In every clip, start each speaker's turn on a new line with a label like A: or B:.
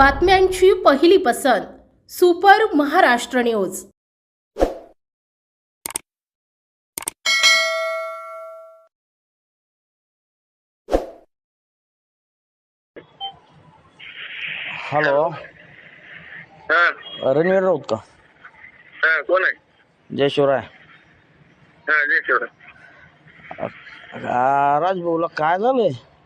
A: बातम्यांची पहिली पसंत सुपर महाराष्ट्र न्यूज।
B: हॅलो,
C: हा
B: रणवीर राऊत का?
C: हा कोण आहे?
B: जय शिवराय.
C: हा जय शिवराय.
B: राजभाऊला काय झालंय?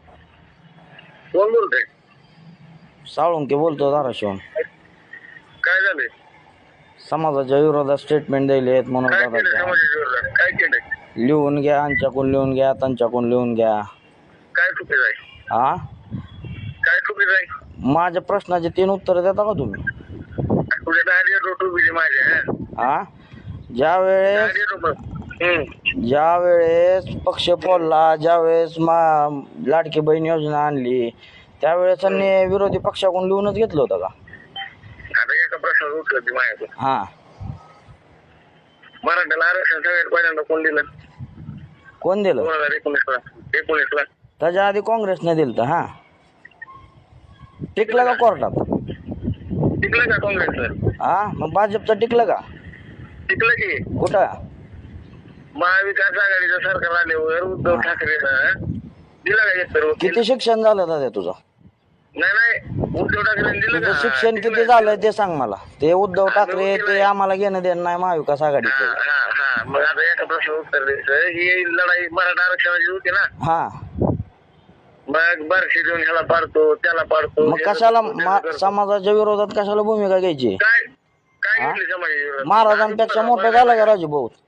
C: कोण बोलतोय?
B: साळुंके बोलतो धाराशिवून.
C: काय झालंय?
B: समाजाच्या विरोधात स्टेटमेंट द्यायले म्हणून
C: काय केलं
B: दादा
C: समाजाच्या विरोधात? काय केलंय?
B: लिहून घ्या, आमच्याकडून लिहून घ्या, त्यांच्याकडून लिहून घ्या.
C: काय चुकीचं आहे?
B: हा,
C: काय चुकीचं आहे?
B: माझ्या प्रश्नाचे 3 उत्तर देता का तुम्ही?
C: तुझ्या दारी रोट उभी माझ्या.
B: हा, ज्यावेळेस ज्यावेळेस पक्ष फोडला, ज्यावेळेस लाडकी बहीण योजना आणली, त्यावेळेस त्यांनी विरोधी पक्षाकडून लिहूनच घेतलं होतं का?
C: आता एका प्रश्नाचं उत्तर दे माझ्याकडे.
B: हा,
C: मराठ्याला आरक्षण सगळ्यात पहिल्यांदा कोण दिलं?
B: कोण दिलं?
C: 2019ला.
B: त्याच्या आधी काँग्रेसने दिलं. हा, टिकलं का कोर्टात?
C: टिकलं का काँग्रेसला?
B: हा, मग भाजपचं टिकलं का?
C: टिकलं की.
B: कुठं?
C: महाविकास आघाडीचं सरकार आल्यावर उद्धव ठाकरेनं दिला का एक तर
B: किती शिक्षण झालं दादा तुझं?
C: नाही उद्धव ठाकरेंनी दिलं
B: तुझं
C: का?
B: शिक्षण किती झालंय ते सांग मला. ते उद्धव ठाकरे ते आम्हाला घेणं देणं नाही महाविकास आघाडीचं.
C: हा मग आता एका प्रश्न उत्तर द्यायचं. ही लढाई मराठा आरक्षणाची होती ना.
B: हा,
C: मग बारशी देऊन ह्याला पाडतो त्याला पाडतो.
B: मग कशाला समाजाच्या विरोधात कशाला भूमिका घ्यायची?
C: काय काय घेतली समाजाच्या विरोधात?
B: महाराजांपेक्षा मोठं झालं का राजू भाऊ?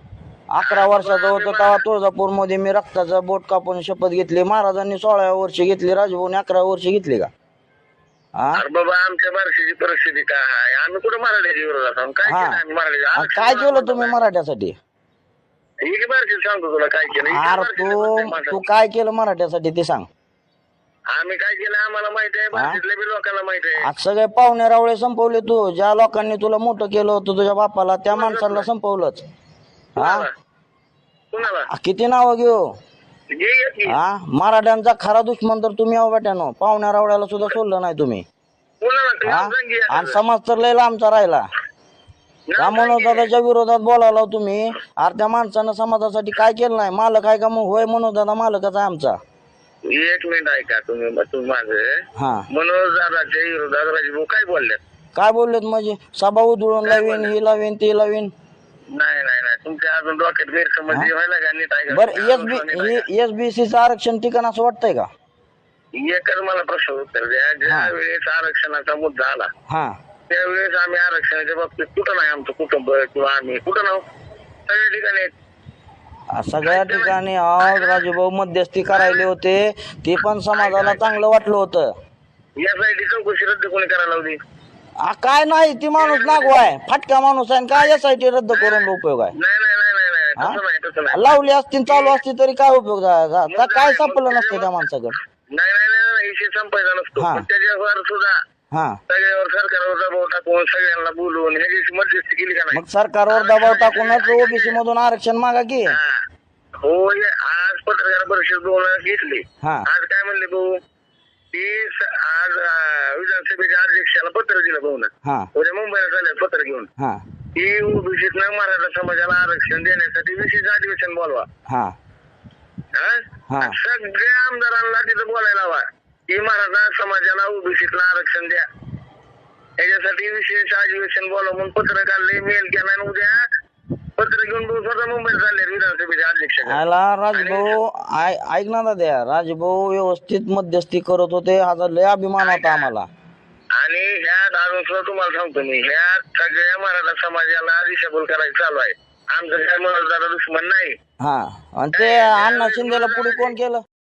B: 11 वर्षाचा होतो तेव्हा तुळजापूर मध्ये मी रक्ताचा बोट कापून शपथ घेतली. महाराजांनी 16व्या वर्षी घेतली, राजभाऊने 11व्या वर्षी घेतली का? हा,
C: अरे बाबा आमच्या बारशीची परिस्थिती काय आहे? आम्ही कुठं मराठ्याच्या विरोधात आहोत? काय केलं आम्ही मराठ्याच्या?
B: काय केलं तुम्ही मराठ्यासाठी?
C: ही की बारशी सांगतो तुला काय केलं. ही
B: अरे
C: बारशीच्या प्रत्येक
B: तू
C: माणसाला.
B: काय केलं मराठ्यासाठी ते सांग.
C: आम्ही काय केलं आम्हाला माहित आहे, बारशीतल्या बी लोकांना माहित आहे.
B: आज सगळे पाहुणे रावळे संपवले तू. ज्या लोकांनी तुला मोठं केलं होतं तुझ्या बापाला, त्या माणसाला संपवलंच. हा,
C: कुणाला?
B: किती नावं घेऊ?
C: घे की.
B: हा, मराठ्यांचा खरा दुश्मन तर तुम्ही आहो बेट्यानो. पाहुण्या रावळ्याला सुद्धा सोडलं नाही तुम्ही.
C: कुणाला?
B: हा,
C: तुम्हाला सांग की
B: आणि
C: एखादं.
B: समाज तर लय लांबचा राहिला. त्या
C: नाव सांग की.
B: मनोजदादाच्या विरोधात बोलायला तुम्ही. अरे त्या माणसानं समाजासाठी काय केलं नाही? मालक आहे का मग? होय, मनोजदादा मालकच आहे आमचा.
C: एक मिनिट ऐका तुम्ही माझं.
B: हा,
C: मनोज दादाच्या विरोधात राजभाऊ काय बोलले?
B: काय बोललेत म्हणजे? सभा उधळून लावीन, ही लावीन, ती लावीन.
C: नाही तुमच्या अजून डोक्यात गैरसमज व्हायला का? नीट ऐका.
B: बरं, एसबीसीचं आरक्षण ठिकाण असं वाटतंय का?
C: एकच मला प्रश्न उत्तर द्या. ज्या वेळेस आरक्षणाचा मुद्दा आला
B: हा,
C: त्यावेळेस आम्ही आरक्षणाच्या बाबतीत कुठं नाही, आमचं कुटुंब किंवा आम्ही कुठं नाव सगळ्या ठिकाणी आहेत.
B: सगळ्या ठिकाणी आज राजूभाऊ मध्यस्थी करायले होते. ते पण समाजाला चांगलं वाटलं होतं.
C: यासाठी चौकशी रद्द कोणी करायला लावली?
B: काय नाही, ती माणूस नागवाय फाटका माणूस आहे. काय यासाठी रद्द करून उपयोग आहे?
C: नाही तसं नाही.
B: लावली असती चालू असती तरी काय उपयोग झाला? काय सापडलं नसतं त्या माणसाकडे.
C: नाही विषय संपायचा नसतो. पण त्याच्यावर सुद्धा
B: हा,
C: सगळ्यावर सरकारवर दबाव टाकून सगळ्यांना बोलवून ह्याची मध्यस्थी केली का नाही?
B: मग सरकारवर दबाव टाकूनच ओबीसी मधून आरक्षण मागा की.
C: हो, आज पत्रकार परिषद बोलायला घेतली.
B: हा,
C: आज काय म्हणले भाऊ? की आज विधानसभेच्या अध्यक्षाला पत्र दिलं भाऊ ना.
B: हा,
C: उद्या मुंबईला चालले पत्र घेऊन.
B: हा,
C: की ओबीसीतनं मराठा समाजाला आरक्षण देण्यासाठी विशेष अधिवेशन बोलवा.
B: हा, हा.
C: सगळ्या आमदारांना तिथं बोलायला हवा की मराठा समाजाला ओबीसीतलं आरक्षण द्या. याच्यासाठी विशेष अधिवेशन बोलवा म्हणून पत्र काढले, मेल केला आणि उद्या पत्र घेऊन भाऊ स्वतः मुंबईत चालले विधानसभेच्या अध्यक्ष.
B: राजभाऊ ऐक ना दादा, राजभाऊ व्यवस्थित मध्यस्थी करत होते. हा लय अभिमान होता आम्हाला.
C: आणि ह्यात अजून सुद्धा तुम्हाला सांगतो मी, ह्यात सगळ्या मराठा समाजाला दिशाभूल करायचं चालू आहे. आमचं काय मनोजदादा दुश्मन नाही.
B: हा, आणि ते अण्णा शिंदेला पुढे कोण केलं?